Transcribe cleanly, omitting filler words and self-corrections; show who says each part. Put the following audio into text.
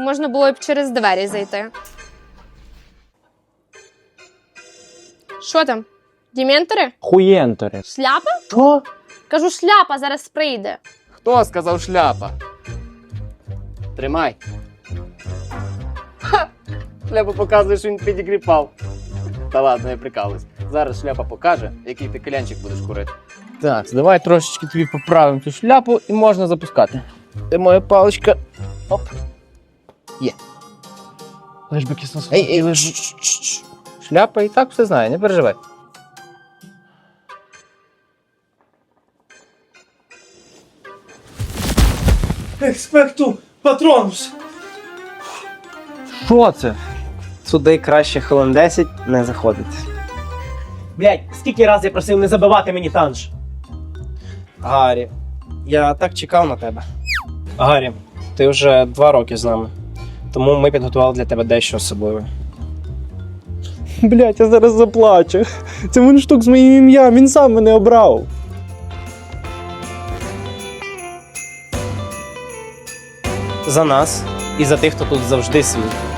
Speaker 1: можна було б через двері зайти. Що там? Дементори?
Speaker 2: Хуєнтори.
Speaker 1: Шляпа?
Speaker 2: Що?
Speaker 1: Кажу, шляпа зараз прийде.
Speaker 3: Хто сказав шляпа? Тримай. Ха! Шляпа показує, що він підігріпав. Та ладно, я прикалуюсь. Зараз шляпа покаже, який ти калянчик будеш курити. Так, давай трошечки тобі поправимо цю шляпу і можна запускати. Де моя паличка? Оп. Є. Лиш би кисло. Ей, лиш. Шляпа і так все знає, не переживай.
Speaker 4: Експекту патронус!
Speaker 2: Що це?
Speaker 5: Сюди краще хвилин 10 не заходити.
Speaker 4: Блять, скільки раз я просив не забивати мені танж?
Speaker 5: Гаррі, я так чекав на тебе. Гаррі, ти вже 2 роки з нами, тому ми підготували для тебе дещо особливе.
Speaker 2: Блять, я зараз заплачу. Це мундштук з моїм ім'ям, він сам мене обрав.
Speaker 5: За нас і за тих, хто тут завжди свій.